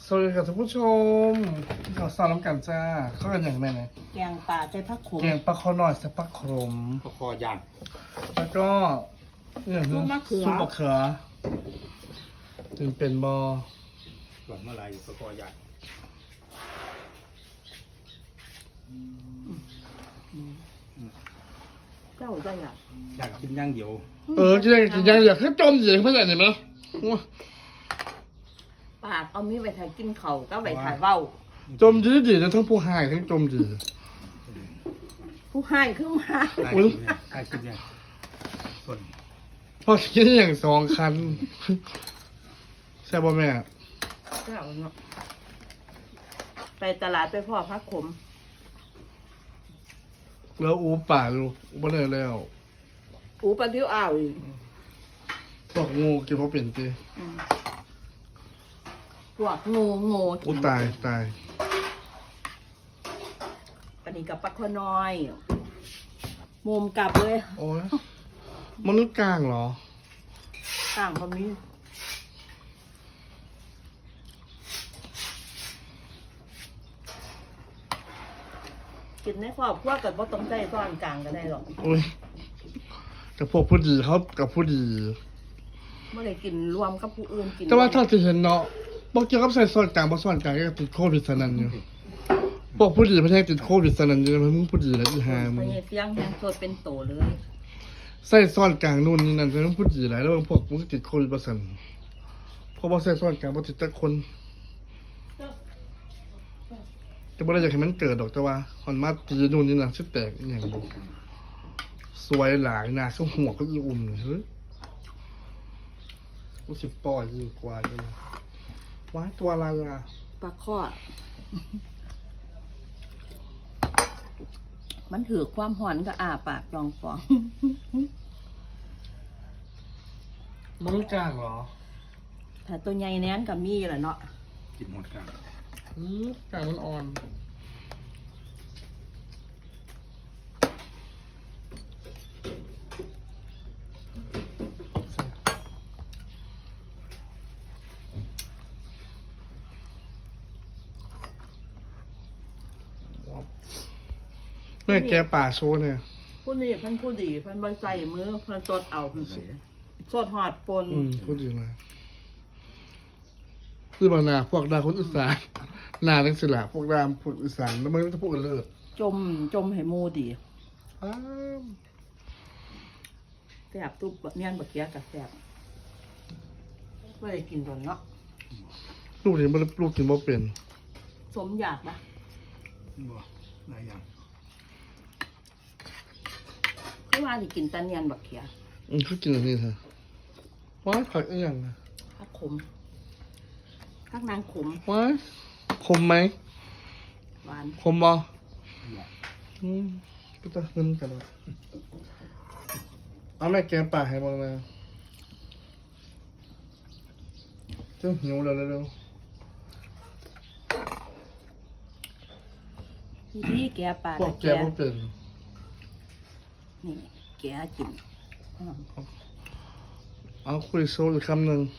สวัสดีครับท่านผู้ชมเราสอนน้ำกันจ้าเข้ากันอย่างไรนะแกงป่าใจพักขมแกงปลาคอหน่อยใส่ปลาขมก็คอย่างแล้วก็อย่างนึงซุปมะเขือถึงเป็นบอส่วนเมื่อไรก็คอย่างเจ้าได้อ่ะอยากกินอย่างเดียวจะได้กินยังอยากให้จมอยู่เพื่อนเห็นไหมปากเอามีไว้ถ่ายกินเขาก็ไว้ถ่ายเว้าจมดีๆนะทั้งผู้หายทั้งจมดีผู้ให้ขึ้นมาได้กินเนี่ยได้กินเนี่ยส่วนพอกินอย่างสองคันใช่ป่ะแม่เจ้าเนาะไปตลาดไปพ่อพักขมแล้วอูป่าลูกอูบ่ได้แล้วอูปลาดิ้วอ่าวอีกบอกงูกินเพราะเป็นตีพวกงูอูตายตายอันนี้กับปลาคอน้อยมุมกลับเลยโอ้ยมนุษย์กลางเหรอต่างคนนี้กินในครอบครัวกับว่าต้องใจซ่อนกลางก็ได้หรอกโอ้ยกับพวกผู้ดีเขากับผู้ดีไม่ได้กินรวมกับผู้อื่นกินแต่ว่าถ้าจะเห็นเนาะบอกเกี่ยวกับใส่ส่วนกลางบ่ส่วนกลางก็ติดโควิดสนั่นอยู่พวกผู้ดีประเทศติดโควิดสนั่นอยู่มึงผู้ดีแล้วอีหาพมึงญาเสียงแหงสดเป็นโตเลยใส่ส่วนกลางนู่นนี่นั่นแต่มึงผู้ดีหลายแล้วพวกมึงติดโควิดบ่ซั่นเพราะบ่ใส่ส่วนกลางบ่ติดแต่คนแต่บ่ได้อยากให้มันเกิดดอกแต่ว่าฮอนมาตีนู่นนี่นั่นสิแตกอีหยังบ่สวยหลายหน้าคือหัวก็อีอุ่มเฮ้ยกูสิปล่อยยิ่งกว่าจังว้ายตัวอะไรอ่ะปลาข้อมันถือความหอนก็อาปากจองฟองมึงกลางเหรอถ้าตัวใหญ่แน่นก็มีแหละเนาะกินหมดกันกลางมันอ่อนแม่แกป่าโชว์เนี่ยผู้นี้เพันผู้ดีเพันใบใส่มือเพันสดเอาเพิ่นสดหอดปนพูดดีมากคือบางนาพวกดาคนอีสานนาทั้งสิละพวกดามพวกอีสานแล้วมันจะพูดกันเลิศจมให้หมูดีอ้าวแซ่บตุ๊บเมียนบะเกียกับแซ่บไม่ได้กินโดนเนาะลูกนี่มันลูกกินบ่เป็นสมอยากปะบ่หลายอย่างคือว่าที่กินแตะเนียนบะเกียเขากินอันนี้เถอะว้ายผักอีกอย่างนะผักขมผักนางขมว้ายคมไหมหวานคมบ่เนี่ยก็จะขึ้นกันแล้วเอาแม่แกงป่าให้บ้างนะเจ้าหิวแล้วเร็วนี่แกปลาพวกแกบ่เป็นนี่แกกินอ้าวเอาคุยโซ่อีกคำหนึ่ง